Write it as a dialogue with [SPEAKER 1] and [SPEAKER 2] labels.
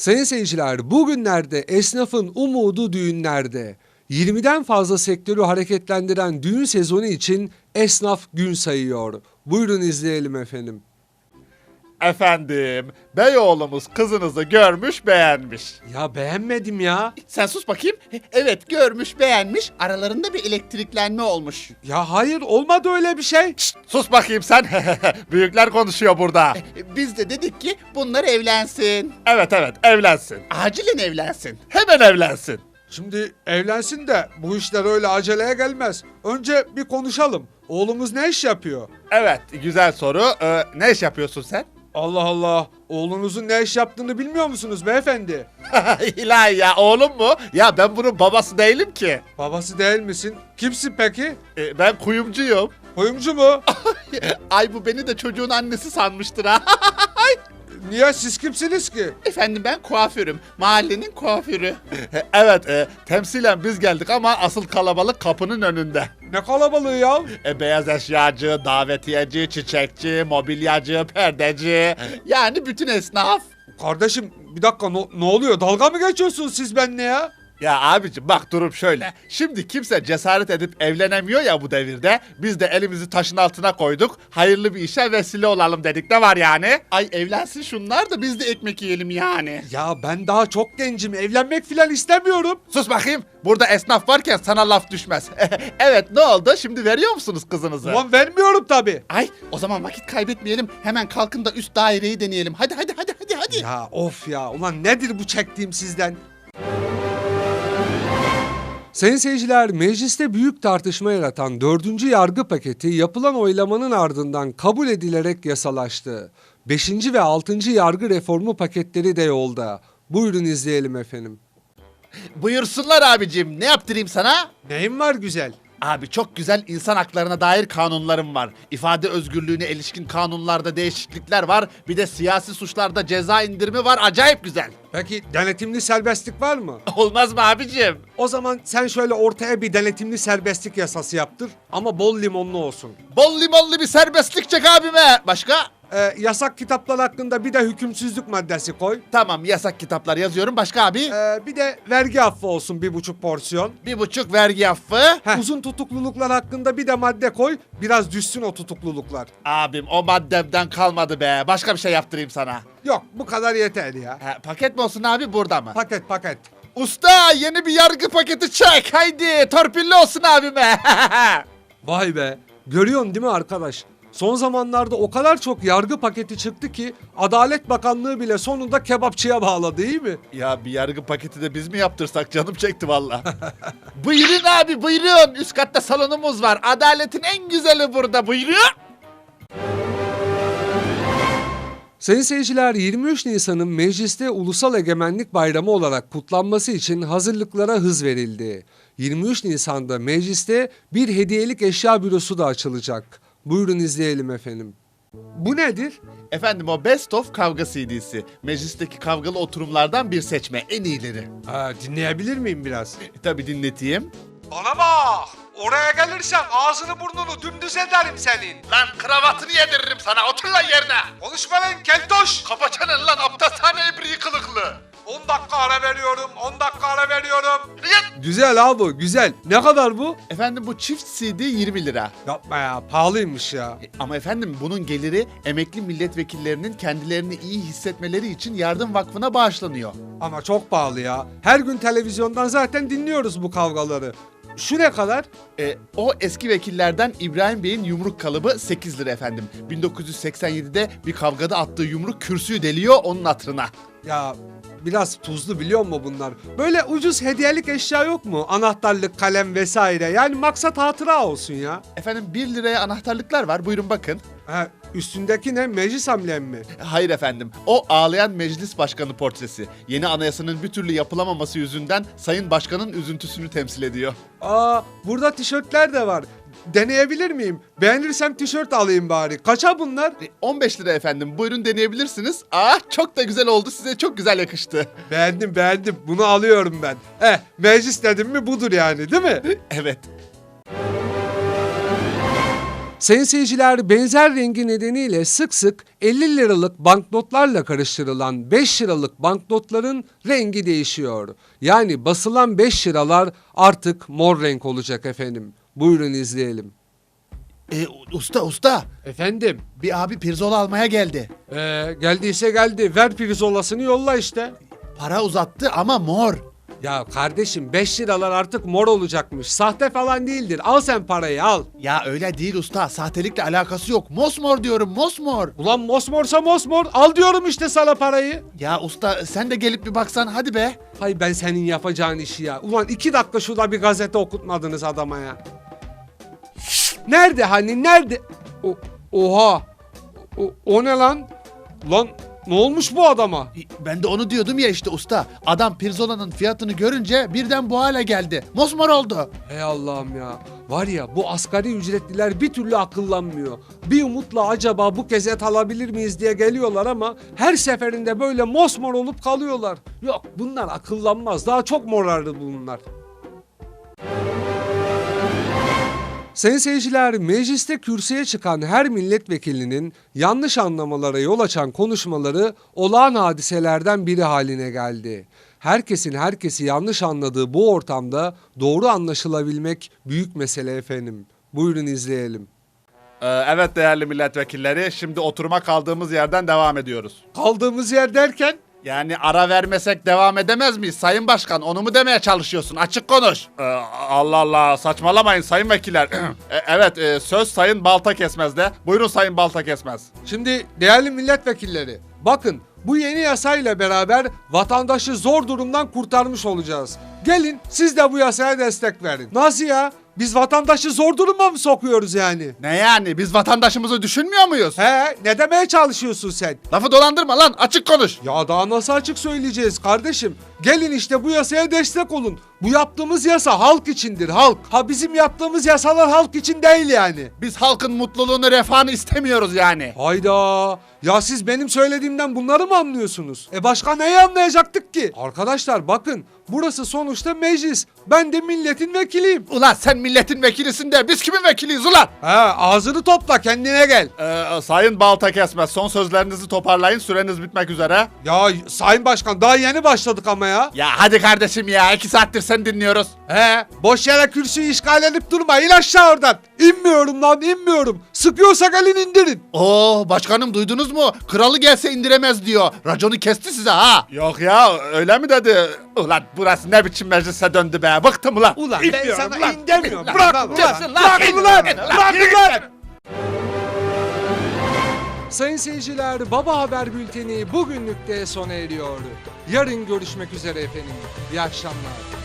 [SPEAKER 1] Sayın seyirciler, bugünlerde esnafın umudu düğünlerde. 20'den fazla sektörü hareketlendiren düğün sezonu için esnaf gün sayıyor. Buyurun izleyelim efendim.
[SPEAKER 2] Efendim, beyoğlumuz kızınızı görmüş beğenmiş.
[SPEAKER 1] Ya beğenmedim ya.
[SPEAKER 3] Sen sus bakayım. Evet, görmüş, beğenmiş. Aralarında bir elektriklenme olmuş.
[SPEAKER 1] Ya hayır, olmadı öyle bir şey.
[SPEAKER 2] Sus bakayım sen. Büyükler konuşuyor burada.
[SPEAKER 3] Biz de dedik ki bunlar evlensin.
[SPEAKER 2] Evet evlensin.
[SPEAKER 3] Acilen evlensin.
[SPEAKER 2] Hemen evlensin.
[SPEAKER 1] Şimdi evlensin de bu işler öyle aceleye gelmez. Önce bir konuşalım. Oğlumuz ne iş yapıyor?
[SPEAKER 2] Evet, güzel soru. Ne iş yapıyorsun sen?
[SPEAKER 1] Allah Allah, oğlunuzun ne iş yaptığını bilmiyor musunuz beyefendi?
[SPEAKER 2] İlahi ya, oğlum mu? Ya ben bunun babası değilim ki.
[SPEAKER 1] Babası değil misin? Kimsin peki?
[SPEAKER 2] Ben kuyumcuyum.
[SPEAKER 1] Kuyumcu mu?
[SPEAKER 3] Ay bu beni de çocuğun annesi sanmıştır ha.
[SPEAKER 1] Niye, siz kimsiniz ki?
[SPEAKER 3] Efendim ben kuaförüm. Mahallenin kuaförü.
[SPEAKER 2] Evet, temsilen biz geldik ama asıl kalabalık kapının önünde.
[SPEAKER 1] Ne kalabalığı ya?
[SPEAKER 2] Beyaz eşyacı, davetiyeci, çiçekçi, mobilyacı, perdeci.
[SPEAKER 3] Yani bütün esnaf.
[SPEAKER 1] Kardeşim bir dakika, ne oluyor? Dalga mı geçiyorsunuz siz benimle ya?
[SPEAKER 2] Ya abicim bak, durum şöyle. Şimdi kimse cesaret edip evlenemiyor ya bu devirde. Biz de elimizi taşın altına koyduk. Hayırlı bir işe vesile olalım dedik. Ne var yani?
[SPEAKER 3] Ay evlensin şunlar da biz de ekmek yiyelim yani.
[SPEAKER 1] Ya ben daha çok gencim, evlenmek filan istemiyorum.
[SPEAKER 2] Sus bakayım. Burada esnaf varken sana laf düşmez. Evet, ne oldu? Şimdi veriyor musunuz kızınızı?
[SPEAKER 1] Ulan vermiyorum tabii.
[SPEAKER 3] Ay o zaman vakit kaybetmeyelim. Hemen kalkın da üst daireyi deneyelim. Hadi.
[SPEAKER 1] Ya of ya, ulan nedir bu çektiğim sizden? Sayın seyirciler, mecliste büyük tartışma yaratan 4. yargı paketi yapılan oylamanın ardından kabul edilerek yasalaştı. 5. ve 6. yargı reformu paketleri de yolda. Buyurun izleyelim efendim.
[SPEAKER 3] Buyursunlar abicim. Ne yaptırayım sana?
[SPEAKER 1] Neyim var güzel?
[SPEAKER 3] Abi çok güzel insan haklarına dair kanunlarım var. İfade özgürlüğüne ilişkin kanunlarda değişiklikler var. Bir de siyasi suçlarda ceza indirimi var. Acayip güzel.
[SPEAKER 1] Peki denetimli serbestlik var mı?
[SPEAKER 3] Olmaz mı abicim?
[SPEAKER 1] O zaman sen şöyle ortaya bir denetimli serbestlik yasası yaptır ama bol limonlu olsun.
[SPEAKER 3] Bol limonlu bir serbestlik çek abime. Başka?
[SPEAKER 1] Yasak kitaplar hakkında bir de hükümsüzlük maddesi koy.
[SPEAKER 3] Tamam yasak kitaplar yazıyorum. Başka abi?
[SPEAKER 1] Bir de vergi affı olsun 1,5 porsiyon.
[SPEAKER 3] 1,5 vergi affı.
[SPEAKER 1] Uzun tutukluluklar hakkında bir de madde koy. Biraz düşsün o tutukluluklar.
[SPEAKER 3] Abim o maddemden kalmadı be. Başka bir şey yaptırayım sana.
[SPEAKER 1] Yok, bu kadar yeter ya.
[SPEAKER 3] Paket mi olsun abi burada mı?
[SPEAKER 1] Paket.
[SPEAKER 3] Usta yeni bir yargı paketi çek. Haydi torpilli olsun abime.
[SPEAKER 1] Vay be. Görüyorsun değil mi arkadaş? Son zamanlarda o kadar çok yargı paketi çıktı ki Adalet Bakanlığı bile sonunda kebapçıya bağladı, değil mi?
[SPEAKER 2] Ya bir yargı paketi de biz mi yaptırsak, canım çekti valla.
[SPEAKER 3] Buyurun abi buyurun. Üst katta salonumuz var. Adaletin en güzeli burada. Buyurun.
[SPEAKER 1] Sayın seyirciler, 23 Nisan'ın mecliste Ulusal Egemenlik Bayramı olarak kutlanması için hazırlıklara hız verildi. 23 Nisan'da mecliste bir hediyelik eşya bürosu da açılacak. Buyurun izleyelim efendim. Bu nedir?
[SPEAKER 3] Efendim o Best of kavga CD'si. Meclisteki kavgalı oturumlardan bir seçme. En iyileri.
[SPEAKER 1] Dinleyebilir miyim biraz?
[SPEAKER 3] Tabii dinleteyim.
[SPEAKER 1] Bana bak! Oraya gelirsen ağzını burnunu dümdüz ederim senin.
[SPEAKER 3] Lan kravatını yediririm sana. Otur lan yerine.
[SPEAKER 1] Konuşma lan keltoş!
[SPEAKER 3] Kapaçanın lan aptashane ebriği kılıklı.
[SPEAKER 1] 10 dakika ara veriyorum. Güzel abi, güzel. Ne kadar bu?
[SPEAKER 3] Efendim bu çift CD 20 lira.
[SPEAKER 1] Yapma ya, pahalıymış ya.
[SPEAKER 3] Ama efendim bunun geliri emekli milletvekillerinin kendilerini iyi hissetmeleri için Yardım Vakfı'na bağışlanıyor.
[SPEAKER 1] Ama çok pahalı ya. Her gün televizyondan zaten dinliyoruz bu kavgaları. Şu ne kadar?
[SPEAKER 3] O eski vekillerden İbrahim Bey'in yumruk kalıbı 8 lira efendim. 1987'de bir kavgada attığı yumruk kürsüyü deliyor onun hatırına.
[SPEAKER 1] Ya biraz tuzlu biliyor musun bunlar? Böyle ucuz hediyelik eşya yok mu? Anahtarlık, kalem vesaire. Yani maksat hatıra olsun ya.
[SPEAKER 3] Efendim 1 liraya anahtarlıklar var buyurun bakın.
[SPEAKER 1] Üstündeki ne? Meclis amblemi mi?
[SPEAKER 3] Hayır efendim o ağlayan meclis başkanı portresi. Yeni anayasanın bir türlü yapılamaması yüzünden Sayın Başkan'ın üzüntüsünü temsil ediyor.
[SPEAKER 1] Burada tişörtler de var. Deneyebilir miyim? Beğenirsem tişört alayım bari. Kaça bunlar?
[SPEAKER 3] 15 lira efendim buyurun deneyebilirsiniz. Çok da güzel oldu size çok güzel yakıştı.
[SPEAKER 1] Beğendim. Bunu alıyorum ben. Meclis dedim mi budur yani, değil mi?
[SPEAKER 3] Evet.
[SPEAKER 1] Sayın seyirciler, benzer rengi nedeniyle sık sık 50 liralık banknotlarla karıştırılan 5 liralık banknotların rengi değişiyor. Yani basılan 5 liralar artık mor renk olacak efendim. Buyurun izleyelim.
[SPEAKER 3] Usta
[SPEAKER 1] Efendim?
[SPEAKER 3] bir abi pirzola almaya geldi.
[SPEAKER 1] Geldiyse geldi. Ver pirzolasını yolla işte.
[SPEAKER 3] Para uzattı ama mor.
[SPEAKER 1] Ya kardeşim 5 liralar artık mor olacakmış. Sahte falan değildir. Al sen parayı al.
[SPEAKER 3] Ya öyle değil usta, sahtelikle alakası yok. Mosmor diyorum, mosmor.
[SPEAKER 1] Ulan mosmorsa mosmor. Al diyorum işte sana parayı.
[SPEAKER 3] Ya usta sen de gelip bir baksan hadi be.
[SPEAKER 1] Hay ben senin yapacağın işi ya. Ulan 2 dakika şurada bir gazete okutmadınız adama ya. Nerede hani nerede? Oha. O ne lan? Lan ne olmuş bu adama?
[SPEAKER 3] Ben de onu diyordum ya işte usta. Adam pirzolanın fiyatını görünce birden bu hale geldi. Mosmor oldu.
[SPEAKER 1] Hey Allah'ım ya. Var ya bu asgari ücretliler bir türlü akıllanmıyor. Bir umutla acaba bu kez et alabilir miyiz diye geliyorlar ama her seferinde böyle mosmor olup kalıyorlar. Yok bunlar akıllanmaz. Daha çok morardı bunlar. Sayın seyirciler, mecliste kürsüye çıkan her milletvekilinin yanlış anlamalara yol açan konuşmaları olağan hadiselerden biri haline geldi. Herkesin herkesi yanlış anladığı bu ortamda doğru anlaşılabilmek büyük mesele efendim. Buyurun izleyelim.
[SPEAKER 2] Evet değerli milletvekilleri, şimdi oturuma kaldığımız yerden devam ediyoruz.
[SPEAKER 1] Kaldığımız yer derken?
[SPEAKER 2] Yani ara vermesek devam edemez miyiz Sayın Başkan? Onu mu demeye çalışıyorsun? Açık konuş. Allah Allah, saçmalamayın sayın vekiller. Evet, söz Sayın Balta Kesmez'de. Buyurun Sayın Balta Kesmez.
[SPEAKER 1] Şimdi değerli milletvekilleri, bakın bu yeni yasayla beraber vatandaşı zor durumdan kurtarmış olacağız. Gelin siz de bu yasaya destek verin. Nasıl ya? Biz vatandaşı zor duruma mı sokuyoruz yani?
[SPEAKER 2] Ne yani? Biz vatandaşımızı düşünmüyor muyuz?
[SPEAKER 1] He, ne demeye çalışıyorsun sen?
[SPEAKER 2] Lafı dolandırma lan, açık konuş.
[SPEAKER 1] Ya daha nasıl açık söyleyeceğiz kardeşim? Gelin işte bu yasaya destek olun. Bu yaptığımız yasa halk içindir, halk. Ha bizim yaptığımız yasalar halk için değil yani.
[SPEAKER 2] Biz halkın mutluluğunu, refahını istemiyoruz yani.
[SPEAKER 1] Hayda. Ya siz benim söylediğimden bunları mı anlıyorsunuz? Başka neyi anlayacaktık ki? Arkadaşlar bakın, burası sonuçta meclis. Ben de milletin vekiliyim.
[SPEAKER 2] Ulan sen milletin vekilisin de biz kimin vekiliyiz ulan?
[SPEAKER 1] Ağzını topla, kendine gel.
[SPEAKER 2] Sayın Balta Kesmez, son sözlerinizi toparlayın, süreniz bitmek üzere.
[SPEAKER 1] Ya Sayın Başkan, daha yeni başladık ama ya.
[SPEAKER 2] Ya hadi kardeşim ya, 2 saattir sen dinliyoruz.
[SPEAKER 1] Boş yere kürsüyü işgal edip durma. İn aşağı oradan. İnmiyorum lan, inmiyorum. Sıkıyorsa gelin indirin.
[SPEAKER 3] Oo başkanım duydunuz mu? Kralı gelse indiremez diyor. Raconu kesti size ha.
[SPEAKER 2] Yok ya, öyle mi dedi? Ulan burası ne biçim meclise döndü be, bıktım ulan.
[SPEAKER 1] Ulan ben
[SPEAKER 2] İnmiyorum
[SPEAKER 1] sana
[SPEAKER 2] ulan.
[SPEAKER 1] in demiyorum.
[SPEAKER 2] Ulan,
[SPEAKER 1] Bırak
[SPEAKER 2] ulan,
[SPEAKER 1] ulan.
[SPEAKER 2] ulan,
[SPEAKER 1] Bırak
[SPEAKER 2] ulan,
[SPEAKER 1] ulan.
[SPEAKER 2] ulan,
[SPEAKER 1] Bırak
[SPEAKER 2] yürü
[SPEAKER 1] ulan.
[SPEAKER 2] git.
[SPEAKER 1] Sayın seyirciler, Baba Haber Bülteni bugünlük de sona eriyor. Yarın görüşmek üzere efendim. İyi akşamlar.